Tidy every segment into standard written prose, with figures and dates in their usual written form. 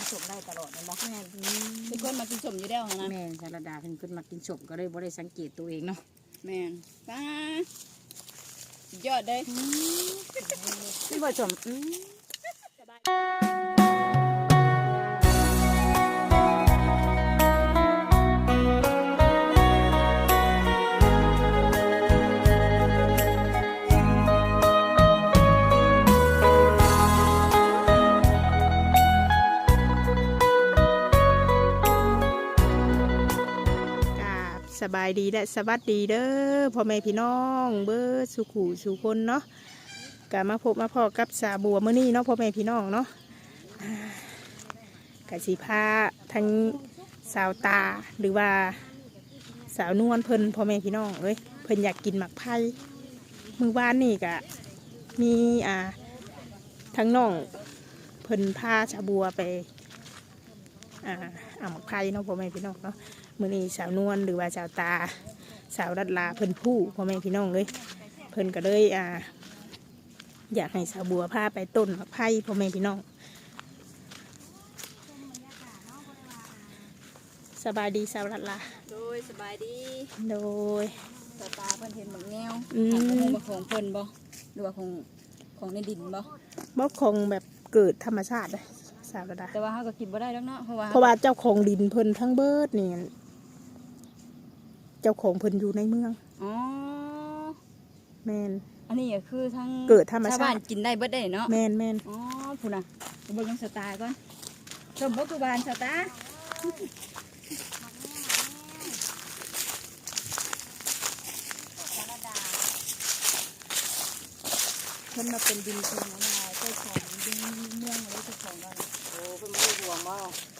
สมได้ตลอดเลยบอกแม่เป็นคนมากินสมอยู่แล้วนะแม่ชาลดาเป็นคนมากินสมก็เลยบ่ได้สังเกตตัวเองเนาะแม่ป้ายอดเลยนี่บ่สมสบายดีและสวัสดีเด้อพ่อแม่พี่น้องเบิร์สุขุสุคนเนาะกะมาพบมาพอกับสาบัวมื้อนี้เนาะพ่อแม่พี่น้องเนาะกะสีพาทั้งสาวตาหรือว่าสาวนวลเพิ่นพ่อแม่พี่น้องเอ้ยเพิ่นอยากกินหมักไผ่มื้อวานนี่กะมีทั้งน้องเพิ่นพาสาบัวไปเอาหมักไผ่เนาะพ่อแม่พี่น้องเนาะมื้อนี้สาวนวลหรือว่าสาวตาสาวรัดลาเพิ่นผู้พ่อแม่พี่น้องเลยเพิ่นก็เลยอยากให้สาวบัวพาไปต้นมะไผ่พ่อแม่พี่น้องสบายดีสาวรัดลาโดยสบายดีโดยสตาเพิ่นเห็นบางแนวของเพิ่นบ่หรือว่าของในดินบ่คงแบบเกิดธรรมชาติเลยสาวรัดลาแต่ว่าเขาก็กินบ่ได้แล้วเนาะเพราะว่าเจ้าของดินเพิ่นทั้งเบิดนี่เจ้าของเพิ่นอยู่ในเมืองอ๋อแมนอันนี้ก็คือทั้งเกิดธรรมชาติชาวบ้านกินได้เบิดได้เนาะแมนอ๋อพูดนะเบิ่งสไตล์ก่อนชมบ่คือบ้านสไตล์เพิ่นมาเป็นดินเพิ่นอะไรเจ้าของดินเมืองอะไรเจ้าของกันโอ้เพิ่นไม่ได้ห่วงบ่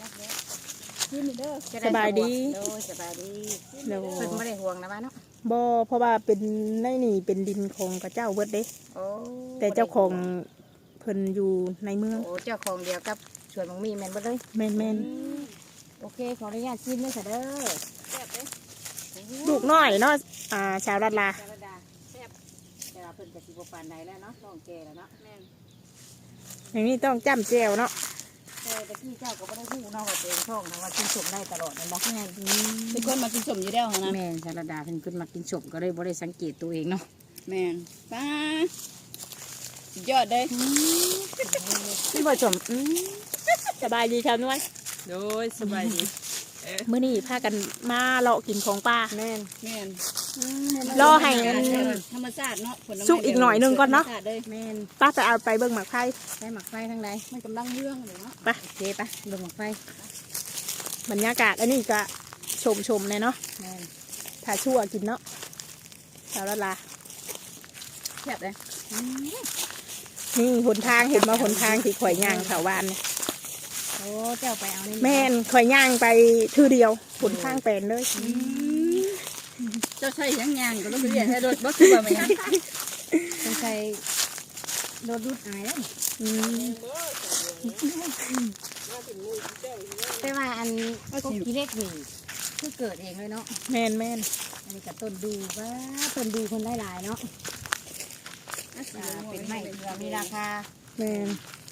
สบายดีสบายดีเพิ่นไม่ได้ห่วงนะบ้านเนาะบ่เพราะว่าเป็นในนี่เป็นดินของกระเจ้าเบิดเด้แต่เจ้าของเพิ่นอยู่ในเมืองโอ้เจ้าของเดียวกับสวนมังมีแม่นบ่เลยแม่นโอเคขออนุญาตชิมด้วยค่ะเด้อแซ่บเด้ลูกน้อยเนาะชาวรัดลาแซ่บแต่ว่าเพิ่นก็สิบ่ปานใดแล้วเนาะต้องแก่แล้วเนาะแม่นอย่างนี้ต้องจ้ำแจ่วเนาะแต่ที่เจ้าก็ไม่ได้พูดเนาะว่าตัวเองช่องนะว่ากินสมได้ตลอดเลยบอกแม่เป็นคนมากินสมอยู่แล้วนะแม่ชาลดาเป็นคนมากินสมก็เลยบ่ได้สังเกตตัวเองเนาะแม่ป้ายอดเลยนี่บ่สมสบายดีครับนวลโดยสบายดีมื้อนี้พากันมาเลาะกินของป้าแม่รอให้ธรรมชาติเนาะสุกอีกหน่อยนึงก่อนเนาะแม่ป้าจะเอาไปเบิ่งหมักไผ่ได้หมักไฟทางใดมันกำลังเรื่องเลยเนาะไปโอเคปะเบิ่งหมักไฟบรรยากาศอันนี้ก็ชมเลยเนาะถ้าชั่วกินเนาะสาวรัดลาแซ่บเลยนี่หนทางเห็นมาหนทางที่ข่อยย่างแถวบ้านเนี่ยโอ้เจ้าไปเอานี่แม่นข่อยย่างไปทื่อเดียวหนทางเป็นเลยเจ้าใช่ยังย่างก็ต้องเรียนให้รถบัสคือว่าไม่ยังต้องใช้รถรุดอะไรได้แต่ว่าอันกบขี้เล็กนี่คือเกิดเองเลยเนาะแม่นอันนี้กับต้นดูว่าต้นดูคนได้หลายเนาะเป็นไม้มีราคาแม่น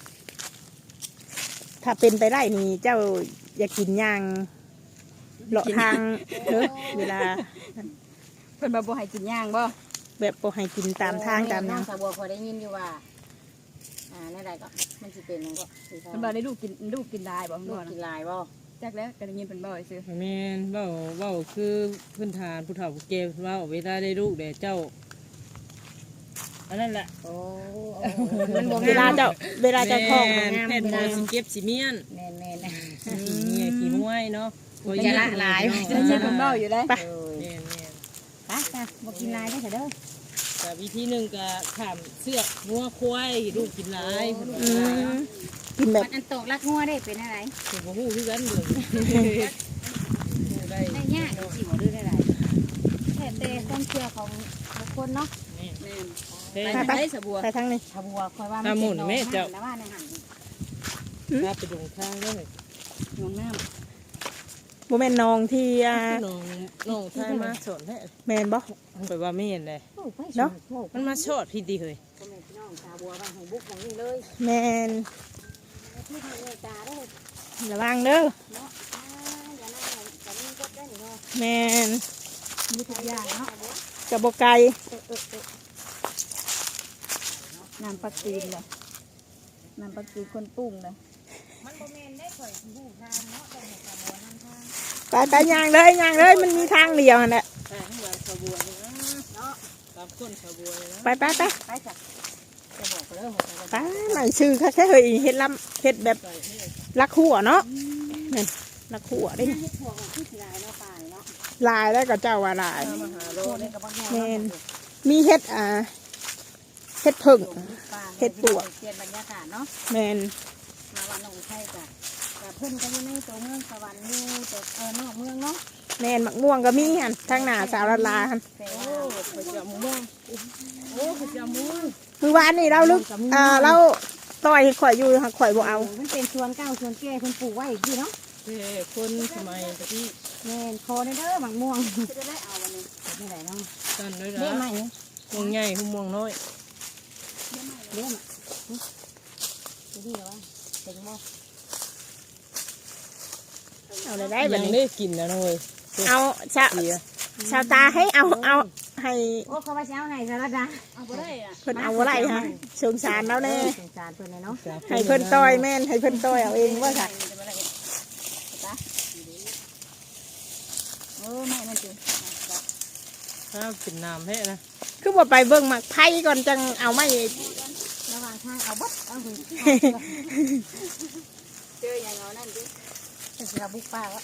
ถ้าเป็นไปได้นี่เจ้าอยากกินย่างเลาะทางเวลาเพิ่นบ่ให้กินย่างบ่แบบบ่ให้กินตามทางตามสาวบัวพอได้ยินอยู่ว่าในใดก็มันสิเป็นนั่นก็เพิ่นบ่ได้ลูกกินลายบ่ลูกกินลายบ่จักแล้วก็ได้ยินเพิ่นบ่ซื่อแม่นเว้าคือพื้นฐานผู้เฒ่าผู้แก่เว้าเวลาได้ลูกแด่เจ้าอันนั้นแหละโอ้เวลาเจ้าท้องแม่นบ่สิเก็บสิเมียนแม่นขี้เมียขี้ห้วยเนาะจะละลายจะยินเพิ่นบ่อยู่ได้ไปแม่นไปบ่กินลายได้เด้อแต่วิธีหนึ่งก็ขามเสือกงัวควายลูกกินลายกินแบบอันตกลักงัวได้เป็นอะไรผมก็หู้คือกันเลยได้ยากสิบ่ดื้อได้หลายแต่ความเชื่อของบุคคลเนาะไปสบัวไปทางนี้สบัวคอยว่ามันหมุนแม่เจ้าว่าในหันถ้าไปดงข้างเลยน้องน้ำโมเมนต์น้องที่น้องทายมาสอนแท้แมนบ่ไปว่าไม่เห็นเลยเนาะมันมาชดพี่ดีเลยน้องสบัวว่าของบุกของนี่เลยแมนระวังเด้อแมนมีทุกอย่างเนาะกระบอกไก่น้ำปักตีนเลยน้ำปักตีนคนปรุงเลยไปย่างเลยมันมีทางเดียวนั่นแหละแต่ทั้งหลายชาวบัวเลยนะตามก้นชาวบัวเลยนะไปไปจ้ะจะบอกเรื่องไปหน่อยชื่อค่ะแค่เฮ้ยเฮ็ดลำเฮ็ดแบบลักหัวเนาะนี่ลักหัวได้เฮ็ดพวกที่สิลายเนาะป่าเนาะลายแล้วก็เจ้าว่าลายมาหาโลโคนี่นี่กับบางแง่แมนมีเฮ็ดเฮ็ดผึ่ง เฮ็ดปวกเปลี่ยนบรรยากาศเนาะแมนมาวันหนองไทยจ้ะแต่เพิ่นก็อยู่ในตัวเมืองสวรรค์อยู่แต่นอกเมืองเนาะแมนมักม่วงก็มีหันทางหน้าสาวละลาหันแต่โอ้ว่าขยำม่วงโอ้ขยำม่วงมือวานนี่เราลึกเราต่อยข่อยอยู่หักข่อยบ่เอามันเป็นสวนเก่าสวนแก่เพิ่นปลูกไว้อีกทีเนาะเฮ้คนสมัยตะกี้แม่นคอในเด้อหมักม่วงจะได้เอาวันนี้ไม่ได้เนาะกันด้วยเลี้ยงใหม่นะม่วงใหญ่หุ่ม่วงน้อยเลี้ยงอ่ะจะดีเหรอวะเต็งบ่เอาเลยได้แบยับงนี้ได้กินนะน้อยเอาชาวตาให้เอาให้โอ้เขาว่าสิเอาให้สารดาเอาบ่ได้อ่ะเพิ่นเอาอะไรฮะสงสารเราแน่สงสารเพิ่นเลยเนาะให้เพิ่นต่อยแม่นให้เพิ่นต่อยเอาเองว่าค่ะแม่มันจิถ้าเป็นน้ำแพ้นะคือบ่ไปเบิ่งหมักไผ่ก่อนจังเอาไม่ระหว่างทางเอาบัดเอาหุ่นเจออย่างเอานั่นดิจะเสือบุกป่าวะ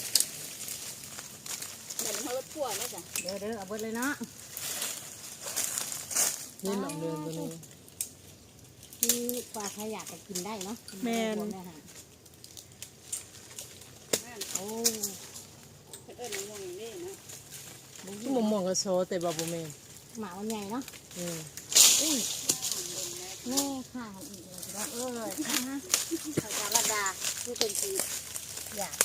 เดี๋ยวเขารถพ่วงนะจ๊ะเด้อเอาเบิดเลยเนาะนี่หลังเดินตัวนี้ที่ปลาใครอยากจะกินได้เนาะโอ้เอิ้นม่วงนี่เนาะม่วงม่วงก็โซแต่บาบูเมนหมามันใหญ่เนาะแม่ค่ะอีกเลยเอ้ยสารดาผู้เป็นสีอยาก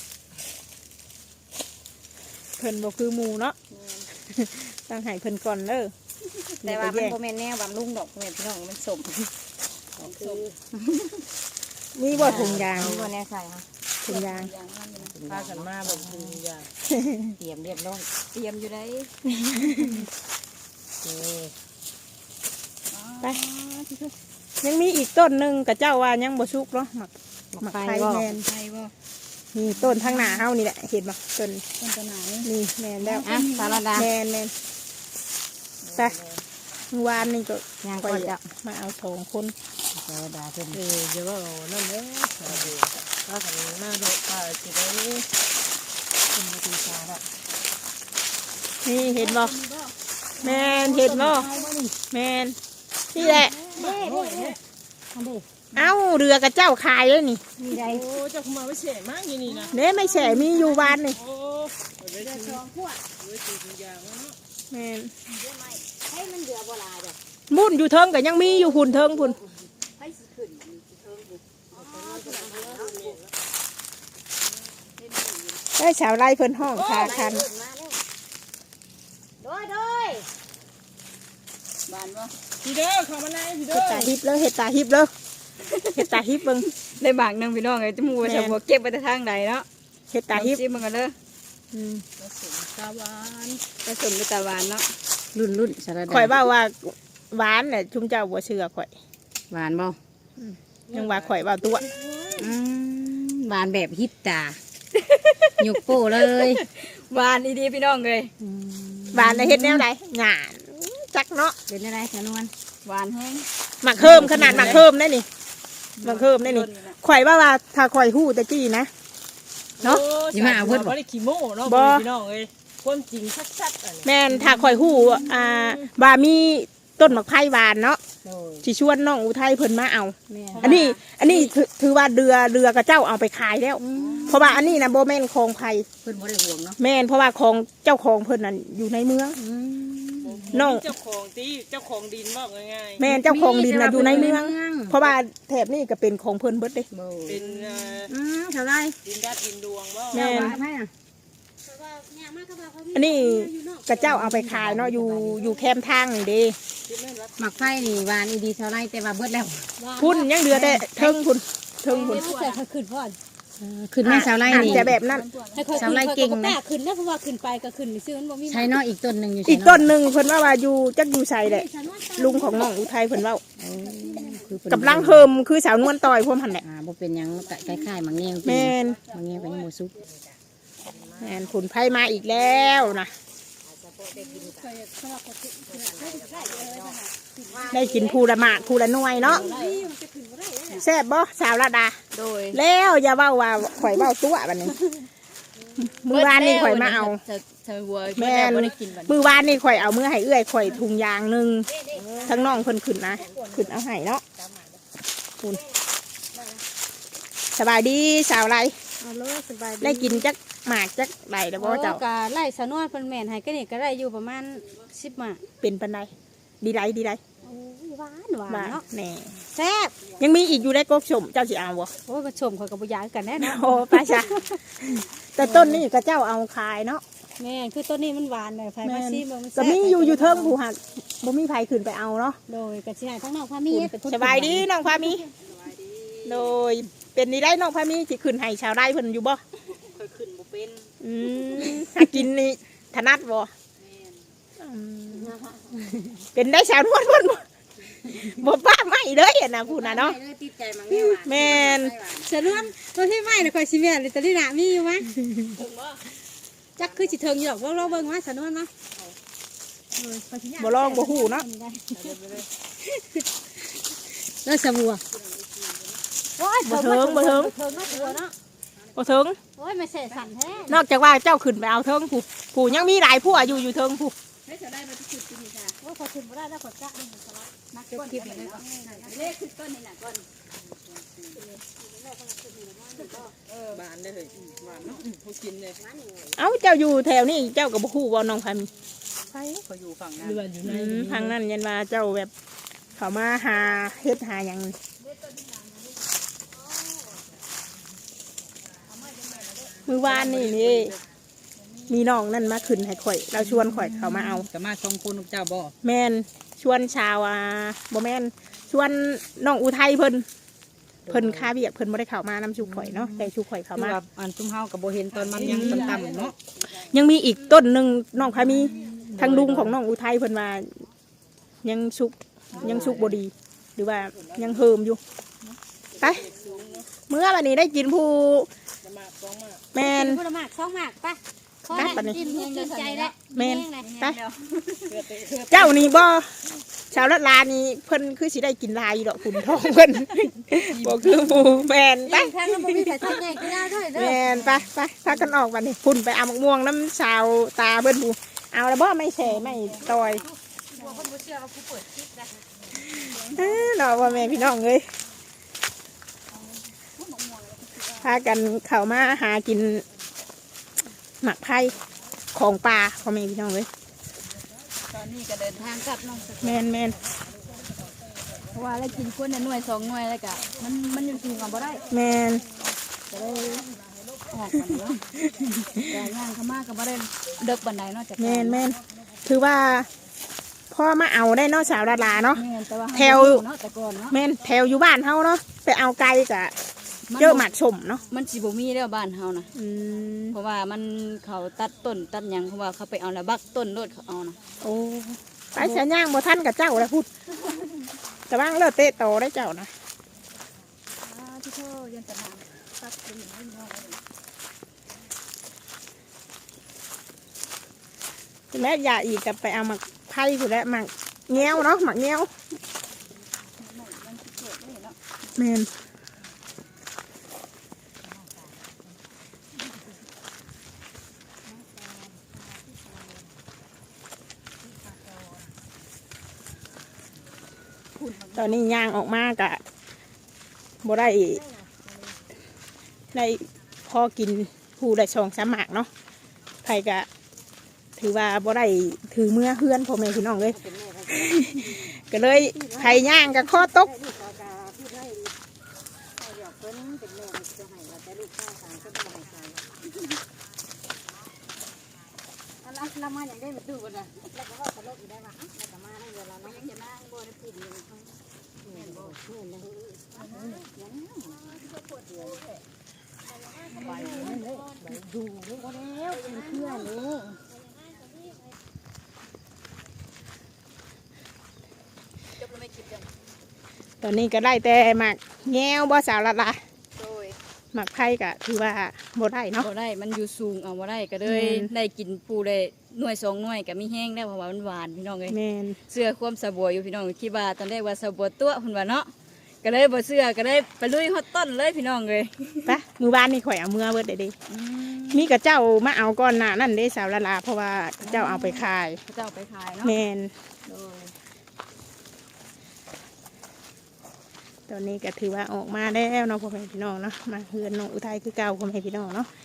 เพิ่นบ่คือหมู่เนาะต้องให้เพิ่นก่อนเด้อแต่ว่ามันโมเมนแน่บำรุงดอกโมเมนพี่น้องมันสมคือมีบ่ถุงยางมีบ่แน่ใส่ค่ะถุงยางพากันมาแบบคืออย่างเตรียมเรียบร้อยเตรียมอยู่ได้ไปยังมีอีกต้นหนึงกับเจ้าว่ายังบ่สุกเนาะหมักไผ่แม่นไฟบ่นี่ต้นทางหน้าเฮานี่แหละเห็นบ่ต้นต้นตะหนานี่นี่แม่นแล้วอ่ะสารดาแม่นไปเมื่อวานนี่ก็ย่างไปก่อนจะมาเอา2คนสารดาเพิ่นเดี๋ยวว่านั่นเด้ชาวบัวถ้ากันหน้าดอกป่าจะได้เป็นวิธีชาละนี่เห็นบ่แม่นเห็นบ่แม่นนี่แหละอันนี้เอ้าเรือกับเจ้าขายเลยนี่มีใดโอ้เจ้าคุมาไม่เฉยมากอย่างนี้นะเน่ไม่แฉมีอยู่บ้านนี่โอ้ได้เดือถึงสองขวดได้ถึงอย่างแล้วเนาะแม่นเดือไม่ให้มันเดือบ่ลาจ้ะมุ่นอยู่เทิงก็ยังมีอยู่หุ่นเทิงพุ่นให้สิขึ้นเทิงบุได้ชาวไร่เพิ่นห้องคาคันโดยบ้านบ่พี่เด้อเข้ามาในพี่เด้เห็ดอตาฮิบเลยเห็ดตาฮิบเลยเห็ดตาฮิบเบิ่งได้บางนึงพี่น้องไอ้จมูกจะบ่เก็บไปทางใดเนาะเห็ดตาฮิบซิมันกันเด้ออืมตาหวานผสมด้วยตะวันเนาะรุ่นสารดาข่อยว่าหวานแหละชุมเจ้าบ่เชื่อข่อยหวานบ่ยังว่าข่อยว่าตัวหวานแบบฮิปตาหยกโป้เลยหวานดีๆพี่น้องเลยหวานแล้วเฮ็ดแนวใดหยาดจักเนาะเป็นอะไรสนวนหวานแห้งหมักเพิ่มขนาดหมักเพิ่มได้นี่หมักเพิ่มได้นี่ข่อยว่าถ้าข่อยฮู้ตะกี้นะ เนาะบ่ได้ขี้โม่เนาะพี่น้องเอ้ยความจริงชัดๆอันนี้แม่นถ้าข่อยฮู้ว่ามีต้นหมักไผ่หวานเนาะโดยสิชวนน้องอุทัยเพิ่นมาเอาแม่อันนี้ถือว่าเรือกับเจ้าเอาไปขายแล้ว เพราะว่าอันนี้นะโบแม่นของไผ่เพิ่นบ่ได้ห่วงเนาะแม่นเพราะว่าของเจ้าของเพิ่นนั่นอยู่ในเมือง น้องเจ้าของที่เจ้าของดินบอกง่ายแม่นเจ้าของดินน่ะอยู่ในเมือง เพราะว่าแถบนี้ก็เป็นของเพิ่นเบิดเด้โดยๆเป็นเท่าไรดินดาดดินดวงบ่แม่นให้อ่ะอันนี้กับเจ้าเอาไปขายเนาะอยู่แคมป์ทางนี่เด้หมักไฟนี่หวานอีดีเท่าไรแต่ว่าเบิดแล้วพุ่นยังเหลือแต่เทิงพุ่นเฮ็ดใส่ขึ้นพ่อนขึ้นแม่สาวไร่อาจนี่จะแบบนั้นสาวไร่เก่งนะขึ้นนะเพราะว่าขึ้นไปก็ขึ้นซื้อมันบ่มีใช้เนาะอีกต้นหนึ่งอยู่อีกต้นหนึ่งเพิ่นว่าอยู่จักอยู่ใส่แหละลุงของน้องอุทัยเพิ่นว่าคือกำลังเฮิมคือสาวนวลต่อยพวกหันแหละบ่เป็นหยังคล้ายๆมังเงี้ยแม่นมังเงี้ยเป็นหมูซุปแม่นผลไผ่มาอีกแล้วนะได้กินภูละหมากภูละหน่วยเนาะแซ่บบ่สาวระดาโดยแล้วอย่าเว้าว่าข่อยเว้าตัวบัดนี้มื้อวานนี่ข่อยมาเอาเธอวัวแม่นบ่ได้กินบัดมื้อวานนี่ข่อยเอามื้อให้เอื้อยข่อยถุงยางหนึงทั้งน้องเพิ่นขึ้นนะขึ้นเอาให้เนาะคุณสบายดีสาวไรเอาเลยสบายได้กินจักหมากจักไหลแล้วบ่เจ้าก็ไล่สนวนเพิ่นแม่นให้ก็นี่ก็ได้อยู่ประมาณ10หมาเป็นปันใดดีไรดีไรหวานหวานมาเนาะแน่แซ่บยังมีอีกอยู่ได้กกชมเจ้าสิเอาบ่โอ้ยมาชมเขากับบุยากันแน่เนาะโอ้ป้าจ้ะแต่ต้นนี้ก็เจ้าเอาขายเนาะแม่นคือต้นนี้มันหวานเลยไผแม่มาน ซีบ่มันก็มีอยู่เทิงผู้หักบ่มีไผขึ้นไปเอาเนาะโดยกระชายทั้งนอกพามีเป็นคนสบายดีน้องพามีโดยเป็นนี่ได้น้องพามีสิขึ้นให้ชาวไร่เพิ่นอยู่บ่ค่อยขึ้นบ่เป็นหากินนี่ถนัดบ่อืมเป็นได้ชาวนวลเพิ่นบ่ป้าไม่เด้ออะนะพูดน่ะเนาะติดใจมังเงี้ยแม่นสนวนตัวที่ไม่น่ะค่อยสิแม่นเลยตอนนี้น่ะมีอยู่มั้ยจักคือสิเทิงอยู่ดอกลองเบิ่งว่าสนวนเนาะบ่ลองบ่ฮู้เนาะแล้วสบัวโอ้ยบ่เทิงบ่เทิงเทิงเนาะตัวเนาะบ่ถึงโอ้ยไม่เสะสั่นแท้นอกจากว่าเจ้าขึ้นไปเอาเทิงผู้ยังมีหลายผู้อยู่อยู่เทิงผู้โอ้ยพอขึ้นบ่ได้แล้วกดกะนี่สลัดนักก้นคลิปเลยก่อนเลขคือต้นนี่น่ะก่อนบานได้เลยหวานเนาะผู้กินเลยเอ้าเจ้าอยู่แถวนี้เจ้าก็บ่ฮู้ว่าน้องพามีเขาอยู่ฝั่งนั้นอยู่ในทางนั้นยันว่าเจ้าแบบเขามาหาเฮ็ดหาหยังมื้อวานนี่มีน้องนั่นมาขึ้นให้ข่อยเราชวนข่อยเขามาเอาสามารถชมคุณเจ้าบ่แม่นชวนชาวบ่แม่นชวนน้องอุทัยเพิ่นค่าเบียกเพิ่นบ่ได้เข้ามานำชูข่อยเนาะแต่ชูข่อยเข้าคือมาว่าอันจุ่มเฮากับบ่เห็นตอนมันยังต่ำๆเนาะยังมีอีกต้นหนึ่งน้องพามีทางลุงของน้องอุทัยเพิ่นว่ายังชุกบดี หรือว่ายังเฮิมอยู่ไปเมื่อวันนี้ได้กินผู้แมนพูดมาก2หมากป่ะไปปะนี่กินกินใจแล้วแมนไปเจ้านี่บ่ชาวละลานี่เพิ่นคือสิได้กินลายอยู่ดอกขุนทองเพิ่นบ่คือผู้แมนไปแทงแล้วบ่มีใครทำแน่กินได้ด้วยเด้แมอนไปพากันออกวันนี้พุ่นไปเอามะม่วงน้ำชาวตาเพิ่นผู้เอาแล้วบ่ไม่แฉไม่ตอยคนบ่เชื่อว่ากูเปิดคลิปนะเนาะว่าแม่พี่น้องเอ้ยพากันเข้ามาหากินหมักไผ่ของปลาพ่อแม่พี่น้องเอ้ยตอนนี้ก็เดินทางกลับน้องแมนแมนเพราะว่าแล้วกินคนน่ะหน่วย2หน่วยแล้วก็มันอยู่กินกันบ่ได้แมนก็เลยออกกันเนาะแต่ย่างเข้ามาก็บ่ได้เดึกบันไดเนาะจากแมนแมนถือว่าพ่อมาเอาได้เนาะสาวดาราเนาะแม่นแต่ว่าแถวเนาะแต่ก่อนเนาะแมนแถวอยู่บ้านเฮาเนาะไปเอาไก่กะเจอหมักชมเนาะมันสิบ่มีแล้วบ้านเฮานะอืมเพราะว่ามันเขาตัดต้นตัดหยังเพราะว่าเขาไปเอาแล้วบักต้นโลดเขาเอานะโอ้ไปเสียย่างบ่ท่านกับเจ้าแล้วพูดแต่ว่างเลิศเตะโตได้เจ้านะที่เธอยันตนาตัดเป็นอย่างนี้เนาะแม่อย่าอีกกับไปเอาหมักไผ่ผู้แล้วหมักเงี้ยวเนาะหมักเงี้ยวแมนตอนนี้ย่างออกมากะบ่ได้พอกินผู้ได้ชองสามหมากเนาะไผ่กะถือว่าบ่ได้ถือเมื่อเฮือนพ่อแม่พี่น้องเลย ก็เลยไผ่ย่างกับข้อตกเรามาอย่างได้มาดูกันนะแล้วก็ว่าตลกอยู่ได้ว่าแล้วก็มาได้เวลาเรายังจะมาบ่ได้พูดเลยใบนี่เลยใบดูนี่ก็แล้วเป็นเพื่อนนี่ตอนนี้ก็ได้แต่หมักแง้วบ่สาวละละโดยหมักไผ่ก็ถือว่าบ่ได้เนาะบ่ได้มันอยู่สูงเอาบ่ได้ก็เลยแม่นได้กินปูได้หน่วย2หน่วยก็มีแห้งได้เพราะว่ามันหวานพี่น้องเอ้ยแม่นเสื้อความสะบัวอยู่พี่น้องคิดว่าตอนแรกว่าสะบัวตัวเพิ่นว่าเนาะก็เลยบ่เสื้อก็เลยไปลุยฮอดต้นเลยพี่น้องเลยปะมือบ้านนี่ข่อยเอาเมื่อเบิดเด้มีกับเจ้ามาเอาก่อนหน้านั่นเด้สาวละละเพราะว่าเจ้าเอาไปขายเจ้าไปขายเนาะแม่นโดยตอนนี้ก็ถือว่าออกมาแล้วเนาะพ่อแม่พี่น้องเนาะมาเฮือนน้องอุทัยคือเก่าพ่อแม่พี่น้องเนาะ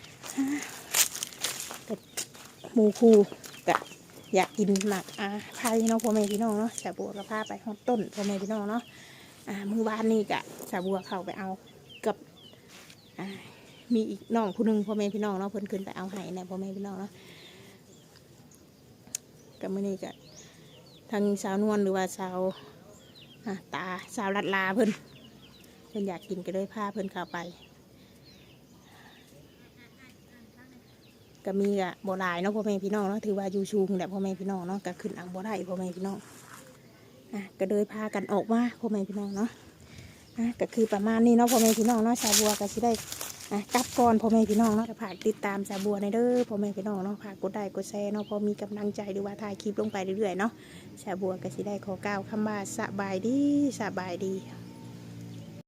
กับหมูคูกะอยากกินหมักไผ่เนาะพ่อแม่พี่น้องเนาะสาบัวก็พาไปฮอดต้นพ่อแม่พี่น้องเนาะมือบ้านนี่กะสาบัวเข้าไปเอากับมีอีกน้องผู้หนึงพ่อแม่พี่น้องเนาะเพิ่นขึ้นไปเอาให้เนี่ยพ่อแม่พี่น้องเนาะกับมื้อนี้กะทางสาวนวลหรือว่าสาวตาสาวลัดลาเพิ่นอยากกินก็เลยพาเพิ่นเข้าไปก็มีกะบ่หลายเนาะพ่อแม่พี่น้องเนาะถือว่าอยู่ชูงแต่พ่อแม่พี่น้องเนาะก็ขึ้นเอาบ่ได้พ่อแม่พี่น้องก็เลยพากันออกมาพ่อแม่พี่น้องเนาะก็คือประมาณนี้เนาะพ่อแม่พี่น้องเนาะสาวบัวก็สิได้กลับก่อนพ่อแม่พี่น้องเนาะฝากติดตามสาวบัวในเด้อพ่อแม่พี่น้องเนาะฝากกดไลค์กดแชร์เนาะพอมีกำลังใจหรือว่าถ่ายคลิปลงไปเรื่อยๆเนาะสาวบัวก็สิได้ขอกล่าวคำว่าสบายดี